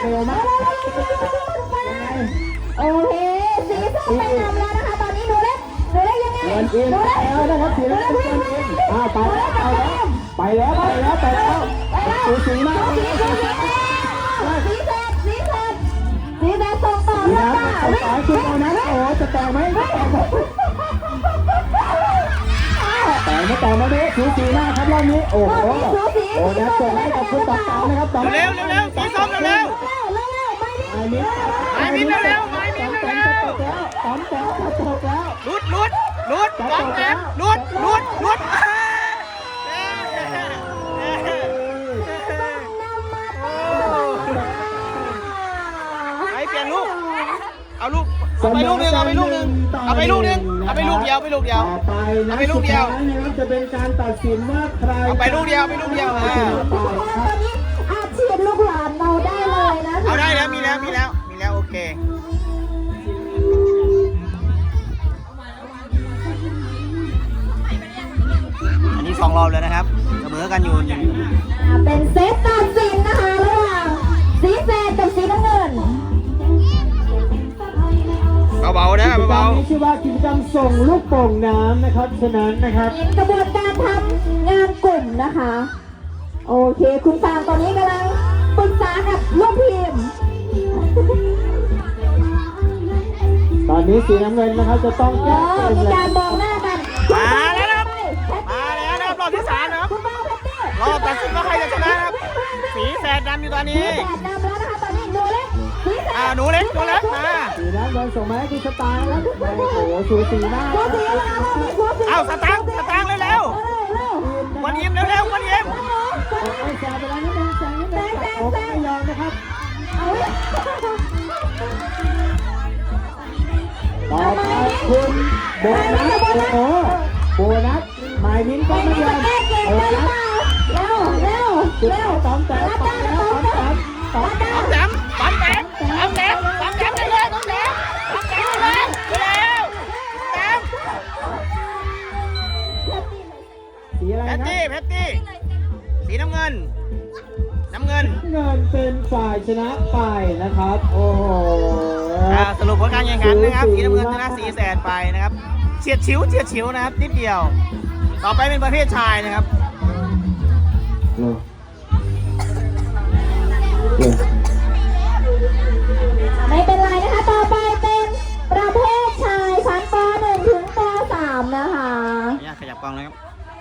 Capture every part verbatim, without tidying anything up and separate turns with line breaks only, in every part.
เร็วมาก
โอเคสีส้มไปนำแล้วนะคะตอนนี้หนูเล็กหนูเล็กยังไงหนูเล็ก
แล้วนะครับสีน้ำเงินเกินอินอ่าไปแล้วไปแล้วไปแล้วไปแล้วสูสีมาก
สีแสดสีแสดสีแสดส่งต่อ
นี่
แล้ว
นะ
จ้า
สายคุณโอนัทโอ้จะแตกไหมแต่ไม่แต่ไม่ได้สูสีมากครับรอบนี้โอ้โหโอ้นัทส่งให้กับคุณต่อต่อนะครับต่อ
เร็วเร็วเร็วสีส้มเร็วเร็วไม้มิ้นเร็วไม้มิ้นเร็ว
ตอมแต้มตกแล้ว
ลุดลุดลุดตอมแต้มลุดลุดลุดไปเปลี่ยนลูกเอาลูกเอาไปลูกนึงเอาไปลูกนึงเอาไปลูกนึงเอาไปลูกเดียวไปลูกเดียวเอาไปลูกเดียว
จะเป็นการตัดสินว่าใคร
เอาไปลูกเดียวไปลูกเดียวอ่า
ตอนนี้อาชีพลูกหลานเราได้เลยนะ
เอาได้แล้วมีแล้วมีแล้วมีแล้วโอเคอันนี้สองรอบแล้วนะครับเสมอกันอยู่
เป็นเซตตัดสินนะคะระหว่างสีแดงกับสีน้ำเงิน
เบาๆนะเบา
ๆนี่ชื่อว่ากิจกรรมส่งลูกโป่งน้ำนะครับฉะนั้นนะครับ
เป็นกระบวนการทำงานกลุ่มนะคะโอเคคุณฟางตอนนี้กำลังปรึกษากับลูกทีม
ตอนนี้สีน้ำเงินนะครับจะต้องแก้เกม
มีการมองหน้ากัน
มาแล้วนะครับมาแล้วนะครับรอบที่สามนะครับรอบตัดสินว่าใครจะชนะครับสีแสดดำอยู่ตอนนี้
แสดดำแล้วนะคะตอนนี้หนูเล็ก
อ่าหนูเล็กหนูเล็กมา
สีน้ำเงินส่งมาให้คุณสตาร์แล้วโอ้โหสูสีมาก
เอาสตางค์สตางค์เร็วๆวันยิ้มเร็วๆวันยิ้ม
โอ้ยแซงไปแล้วนิดนึงแซงนิดนึงโอ้ไม่ยอมนะครับต่อไปคุณโบนัสโอ้โหโบนัสหมายมิ้นก็ไม่ยอมโบนัส
เร็วเร็วเร็ว
ตอมแต่ตอมแล้วตอมแต่ตอมแต่
แต้มตอมแต้มตอมแต้มตอมแต้มเร็วๆตอมแต้มตอมแต้มเร็วเร็วแต้ม
สีอะไร
แพต
นะ
ตี้แพตตี้สีน้ำเงินน้ำเงิน
เงินเป็นฝ่ายชนะไปนะครับโอ้โห
สรุปผลการแข่งขันนะครับสีน้ำเงินชนะสีแสดไปนะครับเฉียดฉิวเฉียดฉิวนะครับนิดเดียวต่อไปเป็นประเภทชายนะครับ
ไม่เป็นไรนะคะต่อไปเป็นประเภทชายชั้นป หนึ่ง ถึงป สาม นะคะ
ขยับกล้องเลยครับ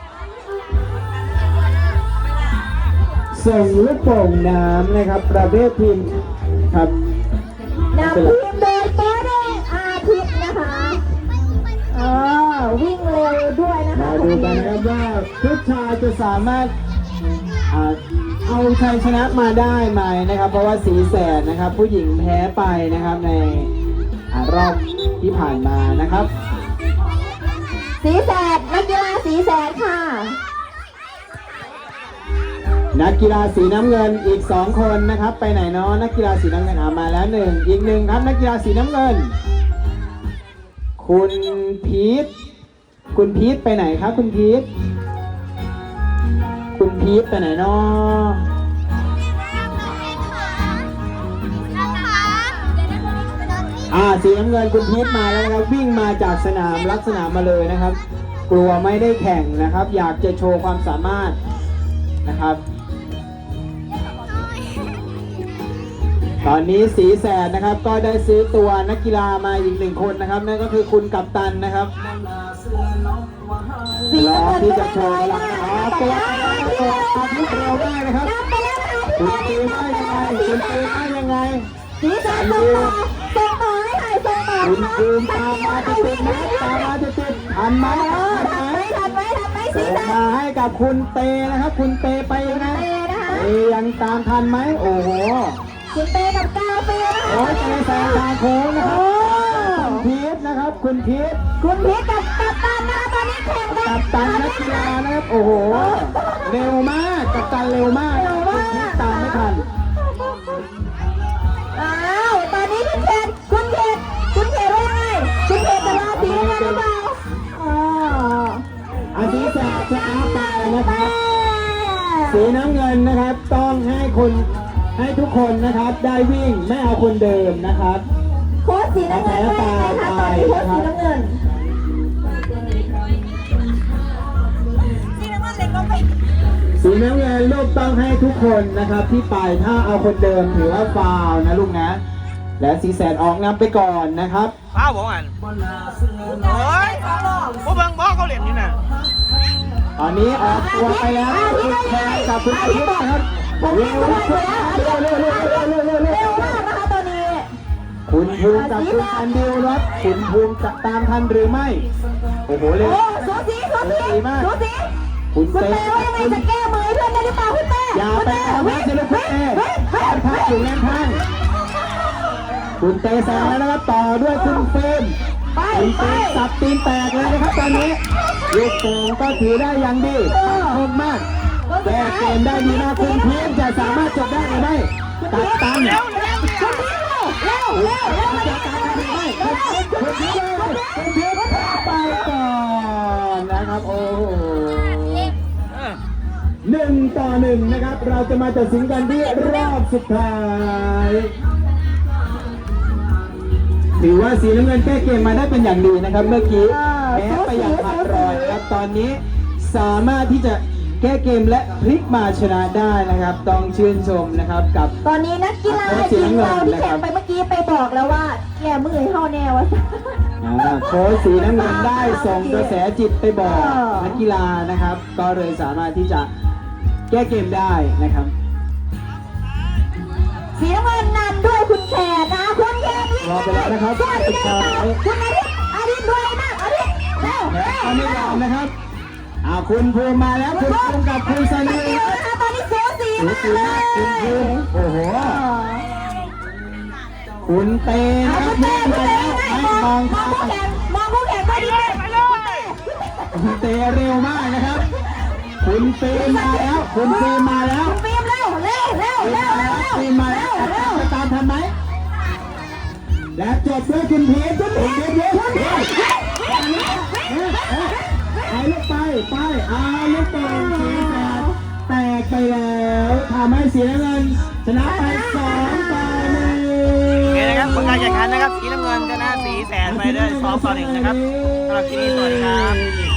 ส่งลูกโป่งน้ำนะครับประเภททีมครับ
นำทีมโดยโค้ชอาทิตย์นะคะเออวิ่งเร็วด้วยนะคะ
มาดูกันนะครับว่าผู้ชายจะสามารถเอาชัยชนะมาได้ไหมนะครับเพราะว่าสีแสดนะครับผู้หญิงแพ้ไปนะครับในรอบที่ผ่านมานะครับ
สีแสดนักกีฬาสีแสดค่ะ
นักกีฬาสีน้ำเงินอีกสองคนนะครับไปไหนเนาะนักกีฬาสีน้ำเงินอ่ามาแล้วหนึ่งอีกหนึ่งครับนักกีฬาสีน้ำเงินคุณพีทคุณพีทไปไหนครับคุณพีทคุณพีทไปไหนเนาะอ่าสีน้ำเงินคุณพีทมาแล้วนะครับวิ่งมาจากสนามลักษณะมาเลยนะครับ กลัวไม่ได้แข่งนะครับอยากจะโชว์ความสามารถนะครับตอนนี้สีแสดนะครับก็ได้ซื้อตัวนักกีฬามาอีกหนึ่งคนนะครับนั่นก็คือคุณกัปตันนะครับรอที่จะโชว์หลังอ๋อตัวตัวอาทิตย์เร็วได้นะครับคุณตีได้ยังไงคุณตีได้ยังไง
สีแสดส่งต่อส่งต่อให้หน่อยส่งต่อ
คุณตีตามมาจะติดนะตามมาจะติดทันไหมทันไหม
ทันไหมทันไหมสีแสด
มาให้กับคุณเตนะครับคุณเตไปยังไงเตยังตามทันไหมโอ้โห
คุณเตกับกาเฟีย
โอ้ยเตแซงทางโค้งนะครับคุณพีทนะครับคุณพีท
คุณพีทกับกัปตันนะคะตอนนี้แข่งกัน
กัปตันนักกีฬานะครับโอ้โหเร็วมากกัปตันเร็วมากคุณพีทตามไม่ทัน
อ้าวตอนนี้คุณเขตคุณเขตคุณเขตว่ายังไงคุณเขตจะรอสีน้ำเงินหรือเปล่าอ๋อ
อาทิตย์จะจะอาไปนะครับสีน้ำเงินนะครับต้องให้คุณให้ทุกคนนะครับได้วิ่งไม่เอาคนเดิมนะครับ
โค้ชสีน้ำเงินว่ายังไงคะตอนนี้โค้ชสีน้ำเงินสีน้ำเงินเล็กลงไป
สีน้ำเงินลูกต้องให้ทุกคนนะครับที่ไปถ้าเอาคนเดิมถือว่าฟาวล์นะลูกนะ และสีแสนออกนำไปก่อนนะครับ
ป้าบอกอ่ะเฮ้ยพวกเบิ้งบอกเขาเหรียญนี่น่ะ
ตอนนี้ออกตัวไปแล้วคุณแทนกับคุณอาทิตย์นะครับ
ผม
เร็
วิ่ง
ว
ไป
เร็ว
แล้ว
เร็วเร็วเร็วเร็วเร็วเร็ว
เร็
เร็
ว
ว
มากนะคะตอนนี้
คุณภูมิกับคุณอันดิวรถคุณภูมิจะตามทันหรือไม่โอ้โหเร็ว
โอ้สูสีสูสีสูสี
คุณ
คุณ
เต้
เต้ว่ายังไงจะแก้มือเพื่อนได้หรือเปล่าคุณเต้
อย่าไปเอาแม่เจริญคุณเต้แอนพักอยู่แอนพักคุณเต้แซงแล้วนะครับต่อด้วยคุณเฟรม
ไป
คุณ
ไป
เฟรมสับตีนแตกเลยนะครับตอนนี้ลูกโป่งก็ถือได้อย่างดีคมมากแก้เกมได้ดีมากคุณเพียงจะสามารถจบได้หรือไม่ตัดตัน
เร็วเร็ว
เร็วเร็วเร็วเร็ว
จะตัดตันหรือไม่คุณเพียงคุณเพียงไปก่อนนะครับโอ้โห
เออ
หนึ่งต่อหนึ่งนะครับ เราจะมาตัดสินกันที่รอบสุดท้าย ถือว่าสีน้ำเงินแก้เกมมาได้เป็นอย่างดีนะครับ เมื่อกี้แพ้ไปอย่างขาดรอยนะครับตอนนี้สามารถที่จะแก้เกมและพลิกมาชนะได้นะครับ ต้องชื่นชมนะครับกับ
ตอนนี้นักกีฬาทีมเราที่แข่งไปเมื่อกี้ไปบอกแล้วว่าแก้มือให้เฮาแน่วะ
อ่าโค้ชสีน้ำเงินได้ส่งกระแสจิตไปบอกนักกีฬานะครับ ก็เลยสามารถที่จะแก้เกมได้นะครับ
สีน้ำเงินนำด้วยคุณแขกนะคุณแขกวิ่ง
รอไปแล้วนะครับ
คุณอาทิตย์ได้เปล่าคุณอาทิตย์อาทิตย์ด้วยมากอาทิตย์เร็ว
และ
เร็ว
ตอนนี้ยอมนะครับอ่าคุณภูมิมาแล้วคุณภูมิกับคุณซันนี่
เร็วนะคะตอนนี้สูสี
สู
มาก
สี
เล
มากคุณภูมิ
ย
โอ้โหคุณเตนะ
เอา
ครับ
คุณเต้
วิ่ง
คุณ
มา
เต้
แล้ว
ม
ไม่
อง
มอง
มอง
ทา
คู่
ง
แข่งมองคู่แข่ง
ไป
ไป
เล
ดิ
ยไปเลย
คุณเตเร็วมากนะครับ คุณเฟรมมาแล้ว คุณเฟรมมาแล้ว
คุณฟิล์มเร็วเร็วเร็วเร็วเร็ว
เฟรมมาแล้ว
เร็ว
จะตามทันไหมและจบด้วยคุณพีทคุณพีทเยอะๆเอาลูกไปไปเอาลูกไปสีแสดแตกไปแล้วทำให้สีน้ำเงินชนะไปสองต่อหนึ่ง
โอเคนะครับผลการแข่งขันนะครับสีน้ำเงินชนะสีแสนไปด้วยสองต่อหนึ่งนะครับสำหรับที่นี่สวัสดีครับ